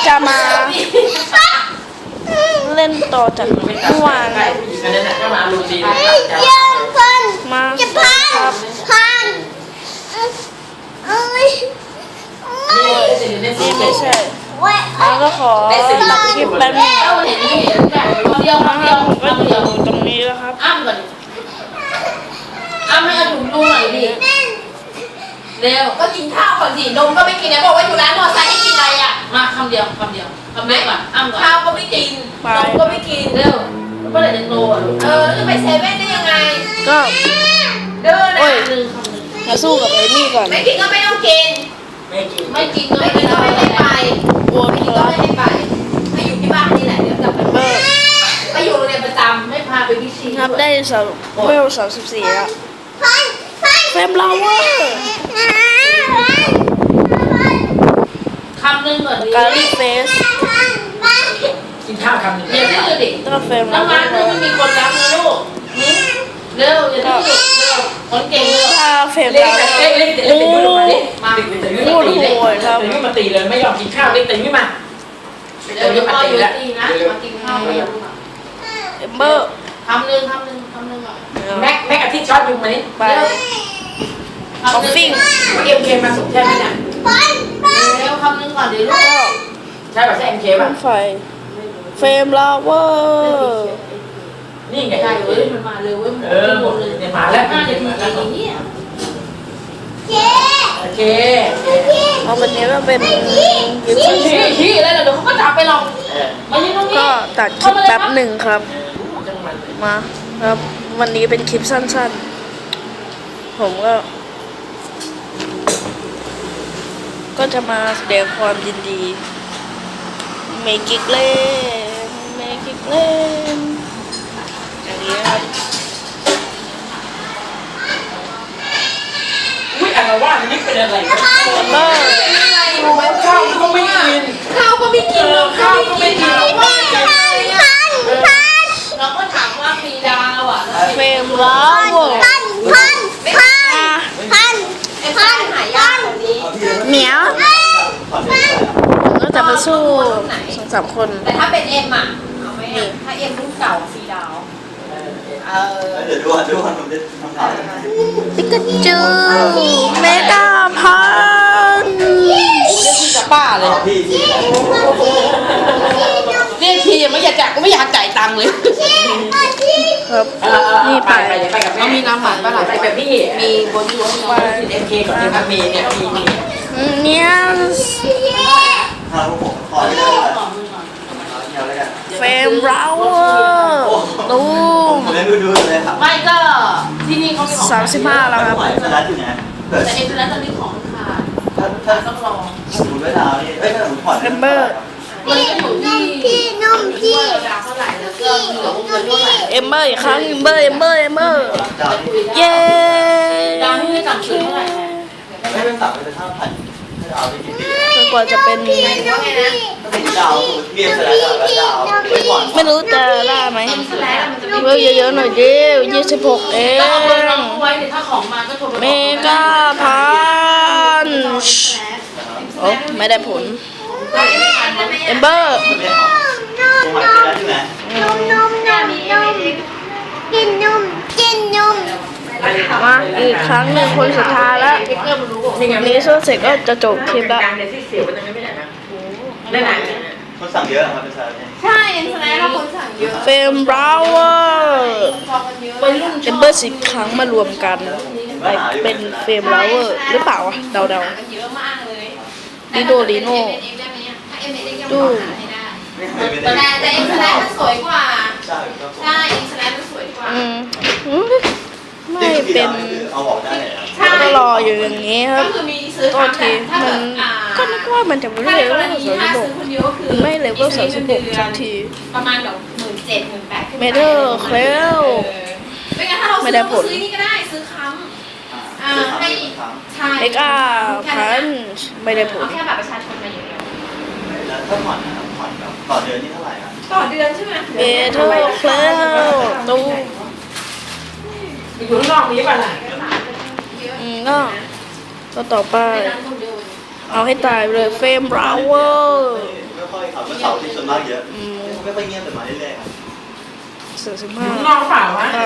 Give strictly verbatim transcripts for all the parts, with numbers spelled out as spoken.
จะมาเล่นต่อจากเมื่อวานมาจะพันครับพันเอ้ยนี่ไม่ใช่เว้ยแล้วก็ขอตัดคลิปแป๊บนึงเดียวนะคเดีรัยบวผมก็เดีอยวยู่ตรงนี้แล้วครับอ้ำก่อนอ้ำให้เอาถุงดูหน่อยดิเร็วก็กินข้าวก่อนสินมก็ไม่กินนะบอกว่าอยู่ร้านมอไซค์ให้กินอะไรอ่ะมาคำเดียวคำเดียวคำเดียวก่อนอ้ำก่อนข้าวก็ไม่กินนมก็ไม่กินเร็วเมื่อไหร่จะโตอ่ะเออจะไปเซเว่นได้ยังไงก็เดินโอ้นะยหนึ่งคำหนึ่งมาสู้กับไอ้นี่ก่อนไม่กินก็ไม่ต้องกินไม่กินไม่กินก็ไม่กินก็ไม่ให้ไปโวนคก็รับไม่ให้ไปให้อยู่ที่บ้านนี่แหละเดี๋ยวกลับไปเบอร์ไปอยู่โรงเรียนประจำไม่พาไปพิชิตครับได้สามเวลสามสิบสี่แล้วพันพันเฟรมลาวเวอร์คำหนึ่งก่อนดิการีเฟสกินข้าวคำหนึ่งเดี๋ยวดื้อดิแล้วก็เฟรมลาน้ำวเวมัอน ร์นึงไม่มีคนรักนะลูกเร็วอย่าดื้อเร็วคนเก่งเร็วถ้าเฟรมเล็กลาวเวแต่อเล็กร์เล็กแต่เล็กแต่ลูกมาดิมาเด็กแต่เล็กมาตีเล็กแต่เล็กมาตีเลยไม่ยอมกินข้าวเล็กแต่ไม่มาเดี๋ยวเดี๋ยวพ่ออยู่ตีนะมากินข้าวไปลูกเอมเบอร์คำหนึ่งคำหนึ่งคำหนึ่งก่อนแม็กแม็กอาทิตย์ช็อตยุงมานี่ไปคอฟฟิ้งเอ็มเคมาส่งใช่ไหมเนี่ยพันพันเร็วคำหนึ่งก่อนเดี๋ยวลูกก็ใช่ป่ะใช่เอ็มเคเครื่ป่ะองไฟเฟรมลาวเวอร์นี่ไงใช่เว้ยมันมาเร็วเว้ยมันเออหมดเลยเนี่ยมาแล้วห้านาทีอย่างนี้เจ๊โอเคเอาวันนี้มาเป็นกิฟต์ชี้ชี้อะไรเดี๋ยวเขาก็จับไปหรอกมายืนตรงนี้ก็ตัดคลิปแป๊บหนึ่งครับ มาครับ วันนี้เป็นคลิปสั้นๆ ผมก็ ก็จะมาแสดงความยินดีเมกิกเล่นเมกิกเล่นอย่างนี้ครับอุ้ยอะไรว่านี่เป็นอะไรแล้วก็อะไรรู้ไหมข้าวก็ไม่กินข้าวก็ไม่กินนมก็ไม่กินเราก็พันพันพันเราก็ถามว่ามีดาวอ่ะเฟรมลาวเวอร์พันพันพันอ่ะพันไอ้พันหายากแบบนี้เหมียวก็จะมาสู้สองสามคนแต่ถ้าเป็นเอ็มอ่ะเอาไหมอ่ะถ้าเอ็มรุ่นเก่าสีดาวเออเดี๋ยวดูก่อนดูก่อนผมจะทำข่าวยังไงปิกาจูเมกาพันป้าเลยพี่ที่ไหนเรียกทียังไม่อยากจ่ายก็ไม่อยากจ่ายตังค์เลยครับนี่ไปไปไปกับแม่ไปแบบพี่มีบนรถว่าเอ็มเคก่อนที่มันมีเนี่ยมีมีเนี่ยถ้าพวกผมขอไม่ได้เลยเอาเดียวแล้วกันเฟรมลาวเวอร์ตูผมไม่ดูดูเลยครับไม่ก็ที่นี่เขามีของสามสิบห้าแล้วครับไหวสลัดอยู่นะเกิดแต่เอ็มแล้วตอนนี้ของขาดถ้าถ้าต้องรอสมมติว่าดาวนี่เอ้ยถ้าผมถอดมันก็อยู่ที่พี่นมพี่ว่าเราดาวเท่าไหร่แล้วก็เหลือวงเงินเท่าไหร่เอมเบอร์อีกครั้งเอมเบอร์เอมเบอร์เอมเบอร์ดาวนี่เย้ดาวที่ไม่ต่ำสุดเท่าไหร่นะไม่เป็นสับเป็นท่าพันถ้าดาวนี่กี่ปีจนกว่าจะเป็นว่าไงนะถ้าเป็นดาวสมมติเรียนสลัดดาวแล้วดาวไม่ก่อนไม่รู้จะได้ไหมเอ็มสแลนมันจะไม่เวลเยอะๆหน่อยดิยี่สิบหกเอต้องเอาไปรองงไว้เดี๋ยวถ้าของมาก็โทรไปเมกาพันโอ้ไม่ได้ผลเอมเบอร์ไม่ได้ของผมหมายถึงแล้วใช่ไหมนมนมนมนมกินนมกินนมมาอีกครั้งหนึ่งคนสุดท้ายแล้วเพื่อนมันรู้นี่ไงนี้สู้เสร็จก็จะจบคลิปแล้วการเนี่ยที่เสียวมันจะไม่ได้นะนั่นน่ะคนสั่งเยอะครับเป็นสลัดเนี่ยใช่เอ็มสแลนเราคนสั่งเยอะเฟรมบราวเวอร์พอกันเยอะเอมเบอร์สิบครั้งมารวมกันไปเป็นเฟรมบราวเวอร์หรือเปล่าวะเดาเยอะมากเลยๆดิโดลิโน่ดูไม่ไม่แต่ได้แต่เอ็มสแลนมันสวยกว่าใช่ครับใช่เอ็มสแลนมันสวยกว่าอืมอืมไม่เป็นเอาออกได้เลยครับใช่ก็รออยู่อย่างนี้คก็รับคือมีซื้อก็ทีมันก็นึกว่ามันจะไม่ถ้าเลในเวกรลณีสามถ้าสิบหซื้กอคนเดียวก็คือไม่เลเวลสามสิบหกสักทีประมาณแบบหมื่นเจ็ดหมื่นแปดเมเดอร์เคลไม่งั้นถ้าเราไม่ซื้อได้เราผลซื้อนี่ก็ได้ซื้อค้ำอ่าให้ใช่เมกาพันไม่ได้ผลเอาแค่บัตรประชาชนมาอย่างเดียวแล้วถ้าผ่อนนะครับผ่อนแบบต่อเดือนนี่เท่าไหร่ครับต่อเดือนใช่ไหมเมเดอร์เคลตูอยู่ข้างนอกมีป่ะล่ะอืมก็ก็ต่อไป เอาให้ตายเลยเฟรมบราวเวอร์ไม่ค่อยอยครับเมื่อเสาร์ที่ส่วนมากเยอะอืมไม่ค่อยเงียบแต่มาเรื่อยๆครับสามสิบอห้ายู่ข้างนอกเปล่าวะก็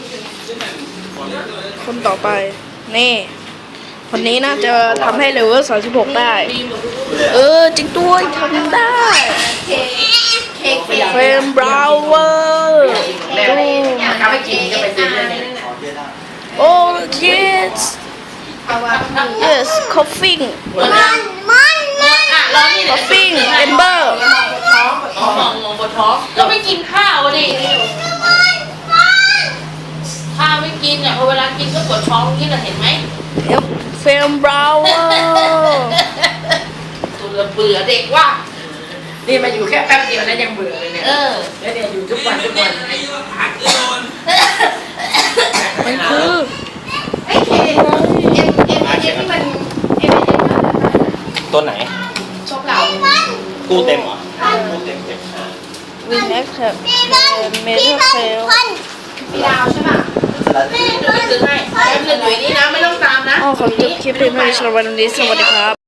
คนต่อไป นี่ คนนี้น่าจะทำให้เลเวลสามสิบหกได้ เออ จริงด้วยทำได้เค้กเค้กเค้กเฟรมบราวเวอร์แล้วเขาไม่กินก็ไปซื้อเลยเนี่ยขอเยอะได้โอ้ yes เอาว่า yes coughing มันมันอ่ะรอนี่ coughing ember ท้องมองมองบนท้องก็ไม่กินข้าวดิข้าวไม่กินอ่ะพอเวลากินก็ปวดท้องนี่เราเห็นไหมเฟรมบราวเวอร์ตัวเบื่อเด็กว่านี่มาอยู่แค่แป๊บเดียวนะยังเบื่อเลยเนี่ยเออแล้วเนี่ยอยู่ทุกวันทุกวันมันคือไอ้เคเอ็มเอ็มเอ็มที่มันเอ็มเอ็มตัวไหนชอบเรากู้เต็มเหรอกู้เต็มเต็มวินแอคแท็บเมทัลเฟลมีดาวใช่ป่ะสลัดเดี๋ยวไปซื้อให้เอ็มเหลืออยู่นี่นะไม่ต้องตามนะอ๋อขอจบคลิปเพียงเท่านี้สำหรับวันนี้สวัสดีครับ